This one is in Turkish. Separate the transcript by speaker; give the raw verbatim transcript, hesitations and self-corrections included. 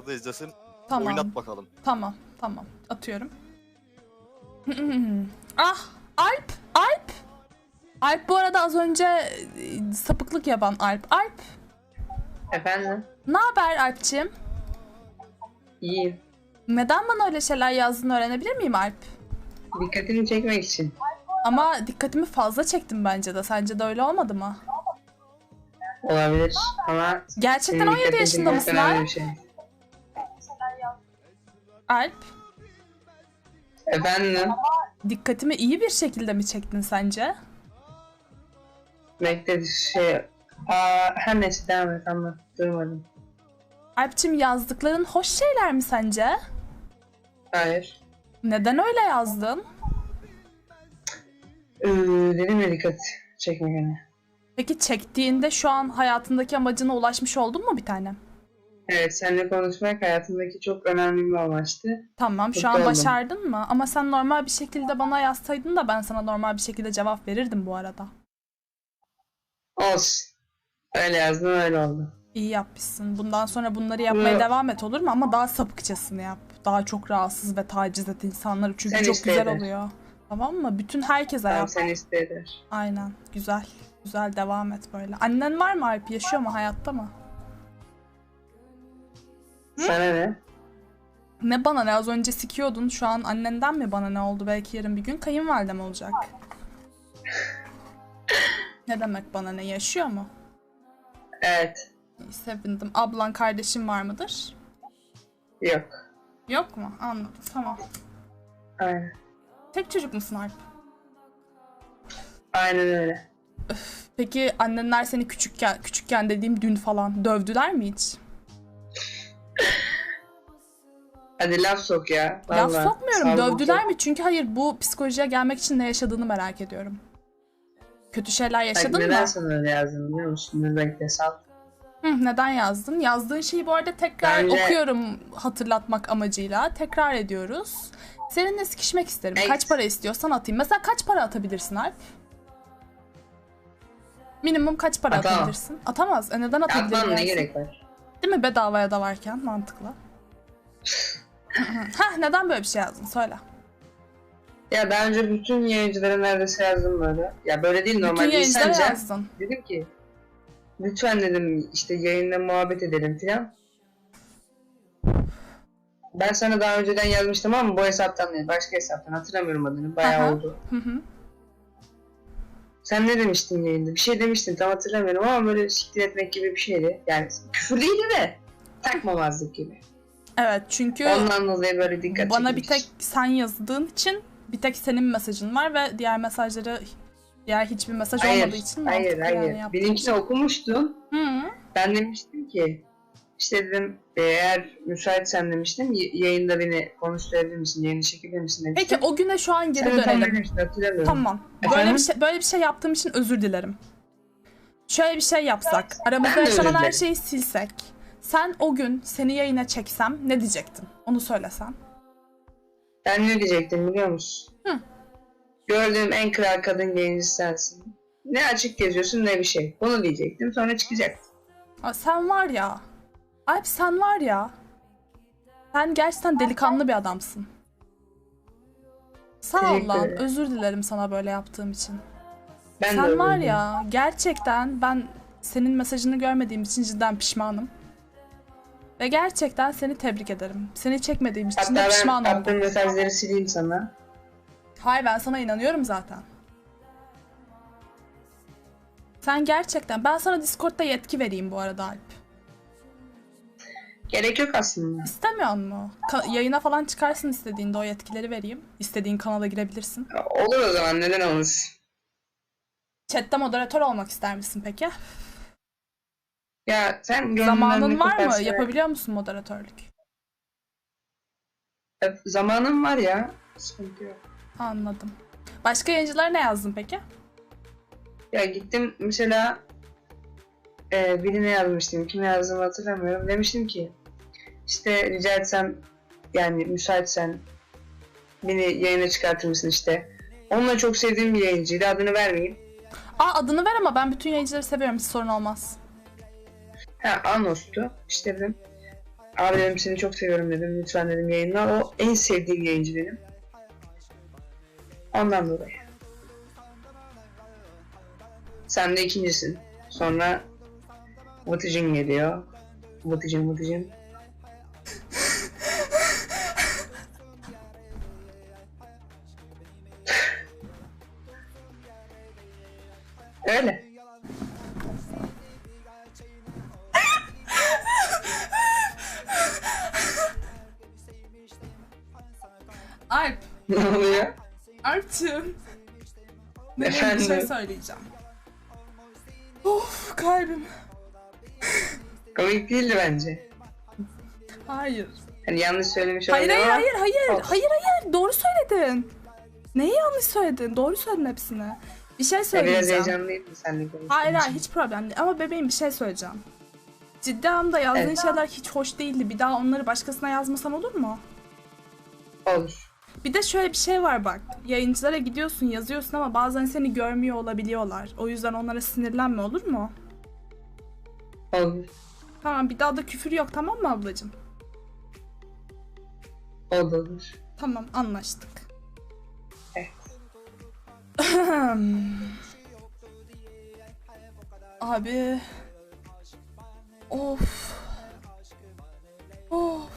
Speaker 1: da izlesin.
Speaker 2: Tamam.
Speaker 1: Oynat bakalım.
Speaker 2: Tamam, tamam. Atıyorum. Ah, Alp, Alp. Alp bu arada az önce e, sapıklık yapan Alp. Alp,
Speaker 3: Efendim?
Speaker 2: ne haber Alp'ciğim?
Speaker 3: İyiyim.
Speaker 2: Neden bana öyle şeyler yazdığını öğrenebilir miyim Alp?
Speaker 3: Dikkatini çekmek için.
Speaker 2: Ama dikkatimi fazla çektim bence de. Sence de öyle olmadı mı?
Speaker 3: Olabilir ama...
Speaker 2: Gerçekten
Speaker 3: senin
Speaker 2: on yedi
Speaker 3: dikkatini
Speaker 2: yaşında
Speaker 3: çekmek
Speaker 2: mısın
Speaker 3: önemli
Speaker 2: Alp?
Speaker 3: bir şey.
Speaker 2: Alp,
Speaker 3: Efendim?
Speaker 2: dikkatimi iyi bir şekilde mi çektin sence?
Speaker 3: Bekle şey... Aa, her neyse devam et anlat. Durmadım.
Speaker 2: Alp'cim yazdıkların hoş şeyler mi sence?
Speaker 3: Hayır.
Speaker 2: Neden öyle yazdın?
Speaker 3: Ee, dedim ya dikkat çekmek hani.
Speaker 2: Peki çektiğinde şu an hayatındaki amacına ulaşmış oldun mu bir tanem?
Speaker 3: Evet, seninle konuşmak hayatımdaki çok önemli bir amaçtı.
Speaker 2: Tamam, şu
Speaker 3: Mutlu
Speaker 2: an
Speaker 3: oldum.
Speaker 2: başardın mı? Ama sen normal bir şekilde bana yazsaydın da ben sana normal bir şekilde cevap verirdim bu arada.
Speaker 3: Olsun. Öyle yazdın öyle oldu.
Speaker 2: İyi yapmışsın. Bundan sonra bunları yapmaya
Speaker 3: Bu-
Speaker 2: devam et, olur mu? Ama daha sapıkçasını yap. Daha çok rahatsız ve taciz et insanları çünkü
Speaker 3: Sen
Speaker 2: çok
Speaker 3: iste
Speaker 2: güzel
Speaker 3: eder.
Speaker 2: oluyor. Tamam mı? Bütün herkese
Speaker 3: Tamam
Speaker 2: yap.
Speaker 3: sen iste eder.
Speaker 2: Aynen. Güzel. Güzel, devam et böyle. Annen var mı Alp? Yaşıyor mu? Hayatta mı?
Speaker 3: Sana ne?
Speaker 2: Ne bana ne? Az önce sikiyordun. Şu an annenden mi bana ne oldu? Belki yarın bir gün kayınvalidem olacak. Ne demek bana ne? Yaşıyor mu?
Speaker 3: Evet.
Speaker 2: İyi, sevindim. Ablan, kardeşin var mıdır?
Speaker 3: Yok.
Speaker 2: Yok mu? Anladım. Tamam.
Speaker 3: Aynen.
Speaker 2: Tek çocuk musun Alp?
Speaker 3: Aynen öyle.
Speaker 2: Peki annenler seni küçükken, küçükken dediğim dün falan dövdüler mi hiç?
Speaker 3: Hadi laf sok ya.
Speaker 2: Ya
Speaker 3: Vallahi.
Speaker 2: sokmuyorum.
Speaker 3: Sağ ol,
Speaker 2: Dövdüler
Speaker 3: sok.
Speaker 2: mi? Çünkü hayır, bu psikolojiye gelmek için ne yaşadığını merak ediyorum. Kötü şeyler
Speaker 3: Bak,
Speaker 2: yaşadın
Speaker 3: neden
Speaker 2: mı?
Speaker 3: sana öyle yazdım biliyor musun? Dur bekle sal.
Speaker 2: Hı, neden yazdın? Yazdığın şeyi bu arada tekrar
Speaker 3: Bence-
Speaker 2: okuyorum hatırlatmak amacıyla. Tekrar ediyoruz. Seninle sikişmek isterim.
Speaker 3: Evet.
Speaker 2: Kaç para istiyorsan atayım. Mesela kaç para atabilirsin Alp? Minimum kaç para
Speaker 3: Atamam.
Speaker 2: atabilirsin? Atamaz. E neden atabilir
Speaker 3: Atmam ne
Speaker 2: dersin?
Speaker 3: gerek var?
Speaker 2: Değil mi? Bedavaya da varken mantıklı. Heh, neden böyle bir şey yazdın? Söyle.
Speaker 3: Ya daha önce bütün yayıncılara neredeyse yazdım böyle. Ya böyle değil
Speaker 2: Bütün
Speaker 3: normalde
Speaker 2: yayıncılara
Speaker 3: insanca.
Speaker 2: yazdın.
Speaker 3: Dedim ki lütfen dedim işte yayında muhabbet edelim filan. Ben sana daha önceden yazmıştım ama bu hesaptan değil başka hesaptan hatırlamıyorum adını bayağı
Speaker 2: Aha.
Speaker 3: oldu.
Speaker 2: Hı hı.
Speaker 3: Sen ne demiştin yayında? Bir şey demiştin tam hatırlamıyorum ama böyle siktir etmek gibi bir şeydi. Yani küfür değildi de takmamazlık gibi.
Speaker 2: Evet, çünkü
Speaker 3: Ondan dolayı böyle dikkat
Speaker 2: bana bir
Speaker 3: çekmiş.
Speaker 2: tek sen yazdığın için bir tek senin mesajın var ve diğer mesajları, diğer hiçbir mesaj
Speaker 3: Hayır,
Speaker 2: olmadığı için
Speaker 3: hayır,
Speaker 2: mantıklı
Speaker 3: hayır.
Speaker 2: yani yaptığın
Speaker 3: Benimkini
Speaker 2: şey.
Speaker 3: okumuştun.
Speaker 2: Hı.
Speaker 3: Ben demiştim ki işte dedim eğer müsaitsen demiştim y- yayında beni konuşturabilir misin, yayını çekebilir misin
Speaker 2: Peki
Speaker 3: demiştim.
Speaker 2: o güne şu an geri
Speaker 3: Sen de tam
Speaker 2: dönelim.
Speaker 3: demiştin hatırlamıyorum.
Speaker 2: Tamam. Böyle
Speaker 3: Efendim?
Speaker 2: bir şey böyle bir şey yaptığım için özür dilerim. Şöyle bir şey yapsak. Aramızda
Speaker 3: Ben de
Speaker 2: yaşanan
Speaker 3: özür
Speaker 2: her
Speaker 3: dilerim.
Speaker 2: şeyi silsek. Sen o gün seni yayına çeksem ne diyecektin? Onu söylesen.
Speaker 3: Ben ne diyecektim biliyor musun?
Speaker 2: Hı.
Speaker 3: Gördüğüm en kral kadın yayıncısı sensin. Ne açık geziyorsun ne bir şey. Bunu diyecektim sonra çıkacaktım.
Speaker 2: Aa, sen var ya. Alp, sen var ya. Sen gerçekten delikanlı bir adamsın. Sağ ol
Speaker 3: Teşekkür
Speaker 2: lan.
Speaker 3: ederim.
Speaker 2: Özür dilerim sana böyle yaptığım için.
Speaker 3: Ben de
Speaker 2: Sen
Speaker 3: öyle
Speaker 2: var
Speaker 3: dedim.
Speaker 2: ya, gerçekten ben senin mesajını görmediğim için cidden pişmanım. Ve gerçekten seni tebrik ederim. Seni çekmediğim için
Speaker 3: Hatta
Speaker 2: de
Speaker 3: ben
Speaker 2: pişman
Speaker 3: attığım
Speaker 2: oldum.
Speaker 3: mesajları sileyim sana.
Speaker 2: Hayır, ben sana inanıyorum zaten. Sen gerçekten... Ben sana Discord'da yetki vereyim bu arada Alp.
Speaker 3: Gerek yok aslında.
Speaker 2: İstemiyor mu? Ka- yayına falan çıkarsın istediğinde, o yetkileri vereyim. İstediğin kanala girebilirsin.
Speaker 3: Olur o zaman neden olmasın.
Speaker 2: Chat'te moderatör olmak ister misin peki?
Speaker 3: Ya sen gönlünden
Speaker 2: Zamanın
Speaker 3: ne
Speaker 2: var mı?
Speaker 3: koparsa-
Speaker 2: Yapabiliyor musun moderatörlük?
Speaker 3: E, Zamanım var ya. Sıkıntı yok.
Speaker 2: Anladım. Başka yayıncılara ne yazdın peki?
Speaker 3: Ya gittim mesela e, birine yazmıştım. Kime yazdığımı hatırlamıyorum. Demiştim ki işte rica etsem yani müsaitsen beni yayına çıkartır mısın işte. Onunla çok sevdiğim bir yayıncıydı. Adını vermeyeyim.
Speaker 2: Aa, adını ver ama ben bütün yayıncıları seviyorum. Hiç sorun olmaz.
Speaker 3: Ha Anos'tu. İşte dedim. Abi dedim seni çok seviyorum dedim. Lütfen dedim yayınla. O en sevdiğim yayıncı benim. Ondan dolayı. Sen de ikincisin. Sonra Vıtıcın geliyor. Vıtıcın Vıtıcın. Öyle.
Speaker 2: Alp,
Speaker 3: Ne oluyor?
Speaker 2: Alp'cığım. Benim bir şey söyleyeceğim. Of kalbim.
Speaker 3: Komik değildi bence.
Speaker 2: Hayır.
Speaker 3: Hani yanlış söylemiş
Speaker 2: Hayır
Speaker 3: olabilirim
Speaker 2: hayır
Speaker 3: ama
Speaker 2: hayır hayır.
Speaker 3: olsun.
Speaker 2: Hayır hayır. Doğru söyledin. Neyi yanlış söyledin? Doğru söyledin hepsini. Bir şey
Speaker 3: Ya biraz
Speaker 2: söyleyeceğim.
Speaker 3: heyecanlıydım seninle konuştuğum
Speaker 2: Hayır hayır
Speaker 3: için.
Speaker 2: hiç problem değil. Ama bebeğim bir şey söyleyeceğim. Ciddi anlamda yazdığın
Speaker 3: Evet.
Speaker 2: şeyler hiç hoş değildi. Bir daha onları başkasına yazmasan olur mu?
Speaker 3: Olur.
Speaker 2: Bir de şöyle bir şey var bak. Yayıncılara gidiyorsun, yazıyorsun ama bazen seni görmüyor olabiliyorlar. O yüzden onlara sinirlenme olur mu?
Speaker 3: Olur.
Speaker 2: Tamam bir daha da küfür yok tamam mı ablacığım?
Speaker 3: Olur olur.
Speaker 2: Tamam anlaştık.
Speaker 3: Evet.
Speaker 2: Abi. Of.